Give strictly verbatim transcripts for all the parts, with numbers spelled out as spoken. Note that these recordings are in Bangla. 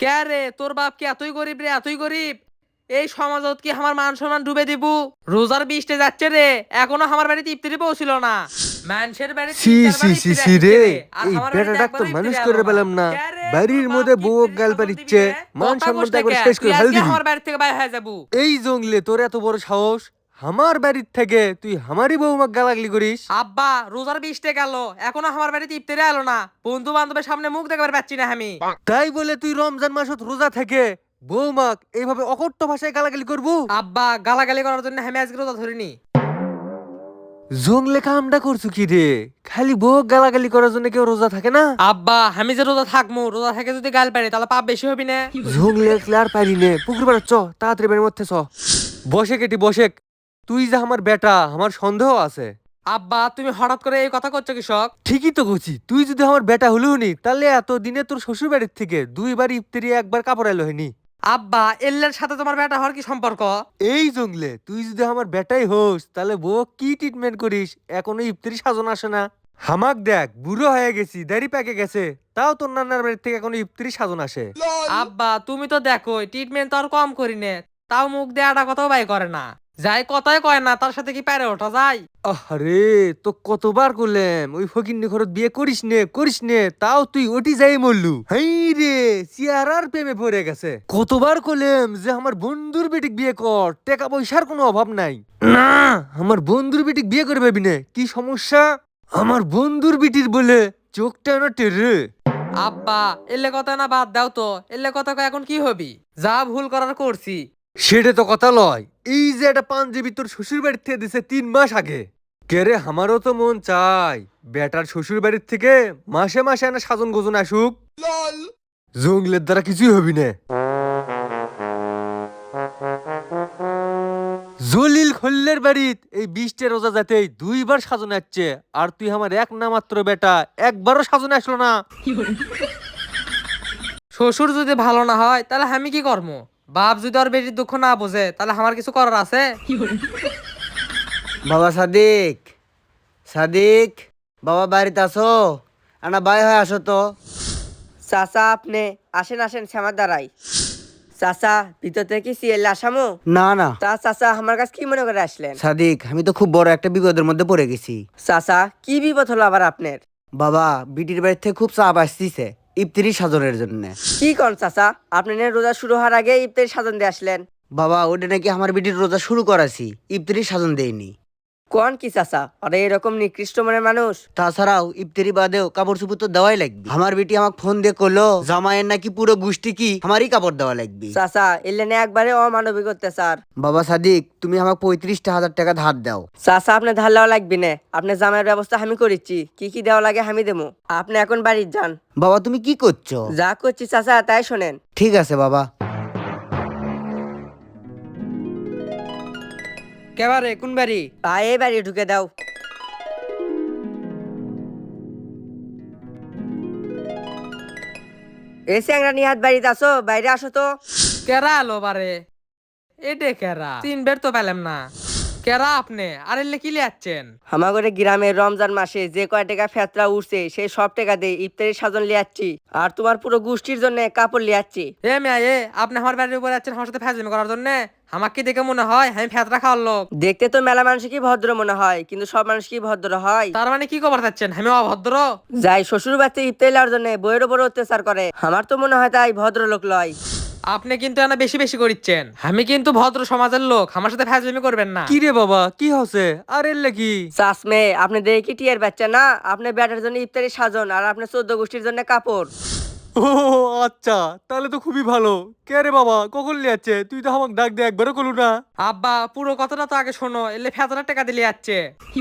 কে রে তোর বাপ কি এতই গরিব রে এতই গরিব? এই সমাজত কি আমার মান সম্মান ডুবে দিব? রোজার বৃষ্টি যাচ্ছে রে, এখনো আমার বাড়িতে ইফতারি পৌঁছিল না। মানুষের বাড়ি সি তিন সি চারবার সি ইফতারি সি আসছে রে, রে, আর এই আমার বাড়িতে বেটাটা তো একবারও মানুষ ইফতারি করে আলো না। পেলাম না। কে রে তোর বাড়ির বাপ মধ্যে কি বউ ইফতারি গাল সাজন দিবি পারিচ্ছে, রে? মান কথা কোস সম্মানটা না একবার কে? শেষ তুই করে ফেল আজকে দিবি। আমার বাড়ি থেকে বাইরে হয়ে যাবো। এই জঙ্গলে তোর এত বড় সাহস, আমার বাড়ির থেকে তুই আমারই বউমাক গালাগালি করিস? আব্বা রোজার বৃষ্টি গেল, এখনো আমার বাড়িতে ইফতারি আলো না। বন্ধু বান্ধবের সামনে মুখ দেখাবার পাচ্ছি না আমি। তাই বলে তুই রমজান মাসত রোজা থেকে বৌমাক এইভাবে অকট্য ভাষায় গালাগালি করবো? আব্বা গালাগালি করার জন্য আমি আজকে রোজা ধরিনি। জঙ্গলে কামটা করছো কি রে? খালি বউ গালাগালি করার জন্য কেউ রোজা থাকে না? আব্বা আমি যে রোজা থাকবো, রোজা থেকে যদি গাল পারি তাহলে পাপ বেশি হবি না? জঙ্গলে আর পারি নে, পুকুর পাড়া চ, তাড়াতাড়ি বাড়ির মধ্যে চ। বসে কেটি বসে, তুই যে আমার বেটা, আমার সন্দেহ আছে। আব্বা তুমি হঠাৎ করে এই কথা করছো কৃষক? ঠিকই তো করছি, তুই যদি আমার বেটা হলেও নি তাহলে এত দিনে তোর শ্বশুর বাড়ির থেকে দুইবার ইফতারি একবার কাপড় এলো হয়নি। আব্বা এল্লের সাথে তোমার বেটা হওয়ার কি সম্পর্ক? এই জঙ্গলে তুই যদি আমার বেটাই হোস তাহলে বউ কি ট্রিটমেন্ট করিস? এখনো ইফতারি সাজন আসে না। হামাক দেখ, বুড়ো হয়ে গেছি, দাড়ি পেকে গেছে, তাও তোর নানার বাড়ির থেকে এখনো ইফতারি সাজন আসে। আব্বা তুমি তো দেখো ট্রিটমেন্ট তো আর কম করি নে, তাও মুখ দিয়ে আটা কথাও বাই করে না। যাই কথাই কয় না, তার সাথে কি পারে ওঠা যায়? আরে তো কতবার করলাম ওই ফকিন্নি ঘরত বিয়ে করিস নে করিস নে, তাও তুই ওটি যাই মরলু। হাই রে, চেয়ারার প্রেমে পড়ে গেছে। কতবার করলাম যে আমার বন্ধুর বেটিক বিয়ে কর, টাকা পয়সার কোনো অভাব নাই। না, আমার বন্ধুর বেটিক বিয়ে করে পাবি না। কি সমস্যা? আমার বন্ধুর বিটির বলে চোখটা না টেরে। আব্বা এলে কথা না বাদ দাও তো, এলে কথা কয় এখন কি হবি? যা ভুল করার করছি। সেটা তো কথা লয়। এই যে একটা পাঞ্জাবি তোর শ্বশুর বাড়ির থেকে দিছে তিন মাস আগে, কেরে আমারও তো মন চাই বেটার শ্বশুর বাড়ির থেকে মাসে মাসে এনে সাজন গোজন আসুক। জঙ্গলের দ্বারা কিছুই হবি না। জলিল খল্লের বাড়িত এই বিশটা রোজা যাতেই দুইবার সাজন আসছে, আর তুই আমার এক না মাত্র বেটা, একবারও সাজন আসলো না। শ্বশুর যদি ভালো না হয় তাহলে আমি কি করবো? বাপ যদি ওর বেটির দুঃখ না বোঝে তাহলে আমার কিছু করার আছে? বাবা সাদিক, সাদিক, বাবা বাড়িতে আসো, আনা বাই হয়ে আসো তো। চাচা আপনি আসেন আসেন শ্যামার দ্বারাই। চাচা ভিতর থেকে সিএল আসামো? না না তা চাচা আমার কাছে কি মনে করে আসলেন? সাদিক, আমি তো খুব বড় একটা বিপদের মধ্যে পড়ে গেছি। চাচা কি বিপদ হলো আবার আপনার? বাবা বিটির বাড়ি থেকে খুব চাপ আসতিছে ইফতারি সাজনের জন্য। কি কন চাচা, আপনি না রোজা শুরু হওয়ার আগে ইফতারি সাজন দিয়ে আসলেন? বাবা ওটা নাকি আমার বিটির রোজা শুরু করাছি, ইফতারি সাজন দেয়নি। কোন কি চাচা, আরে এরকম নিকৃষ্ট মনের মানুষ? তাছাড়াও ইফতারি বাদেও কাপড় চুপড় তো দেওয়াই লাগবে। আমার বিটি আমাকে ফোন দিয়ে করলো জামাইয়ের নাকি পুরো গোষ্ঠী কি আমারই কাপড় দেওয়া লাগবে। চাচা এলে না একবারে অমানবিক অত্যাচার। বাবা সাদিক, তুমি আমাকে পঁয়ত্রিশটা হাজার টাকা ধার দাও। চাচা আপনি ধার দেওয়া লাগবে না, আপনি জামাইয়ের ব্যবস্থা আমি করেছি, কি কি দেওয়া লাগে আমি দেবো। আপনি এখন বাড়ির যান। বাবা তুমি কি করছো? যা করছি চাচা তাই শোনেন। ঠিক আছে বাবা। কেবারে কোন বাড়ি? পায়ে বাড়ি ঢুকে দাও। এই স্যাংরা নিহাত বাড়িতে আসো, বাইরে আসো তো। কেরা আলো বারে? এডে কেরা? তিন বের তো পেলাম না। কেরা আপনি? আর এলে কি লিয়াচ্ছেন? আমাগরে গ্রামের রমজান মাসে যে কয় টাকা ফেতরা উঠছে সেই সব টাকা দিয়ে ইফতারি সাজন লিয়াচ্ছি, আর তোমার পুরো গোষ্ঠীর জন্য কাপড় লিয়াচ্ছি। এ মেয়া এ, আপনি আমার বাড়ির উপরে যাচ্ছেন আমার সাথে ফাজলামি করার জন্য? আমাকে কি দেখে মনে হয় আমি ফেতরা খাওয়ার লোক? দেখতে তো মেলা মানুষ কি ভদ্র মনে হয়, কিন্তু সব মানুষ কি ভদ্র হয়? তার মানে কি খবর চাচ্ছেন আমি অভদ্র? যাই শ্বশুর বাড়িতে ইফতারি লওয়ার জন্য বইয়ের উপর অত্যাচার করে, আমার তো মনে হয় তাই ভদ্রলোক লয়। আপনি কিন্তু এনা বেশি বেশি করিচ্ছেন। আমি কিন্তু ভদ্র সমাজের লোক, আমার সাথে ফাজলামি করবেন না। কি রে বাবা, কি হচ্ছে? আর এলে কি? চাষমে আপনি দেখে কি টিয়ার বাচ্চা না? আপনি ব্যাটার জন্য ইফতারি সাজন আর আপনার চোদ্দ গোষ্ঠীর জন্য কাপড়। ও আচ্ছা, তাহলে তো খুবই ভালো। কে রে বাবা, কখন লিয়াচ্ছে? তুই তো আমাকে ডাক দিয়ে একবারও করলু না। আব্বা পুরো কথাটা তো আগে শোনো, এলে ফেতরা টাকা দিলে যাচ্ছে।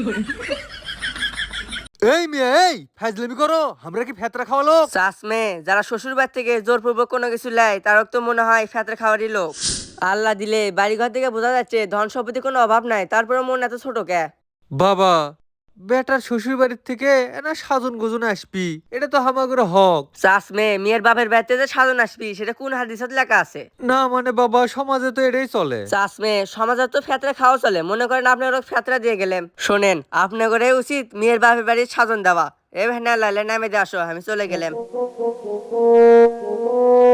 এই মেয়ে, এই ফাজলামি করো, আমরা কি ফেতরা খাওয়ালো? চাষমে যারা শ্বশুর বাড়ি থেকে জোরপূর্বক কোনো কিছু লেয় তার তো মনে হয় ফেতরা খাওয়ারই লোক। আল্লাহ দিলে বাড়ি ঘর থেকে বোঝা যাচ্ছে ধন সম্পত্তি কোনো অভাব নাই, তারপরে মন এত ছোট কে? বাবা, বেটার শ্বশুর বাড়ির থেকে না সাজন গোজন আসবি, এটা তো হামাগের হক। চাষমে মেয়ের বাপের বাড়িতে যে সাজন আসবি সেটা কোন হাদিসত লেখা আছে? না মানে বাবা, সমাজে তো এটাই চলে। চাষমে সমাজে তো ফেতরা খাওয়া চলে, মনে করেন আপনি ওরা ফেতরা দিয়ে গেলেন। শোনেন আপনার করে উচিত মেয়ের বাপের বাড়ির সাজন দেওয়া। এ ভেনা লাইলে নামে দিয়ে আসো, আমি চলে গেলাম।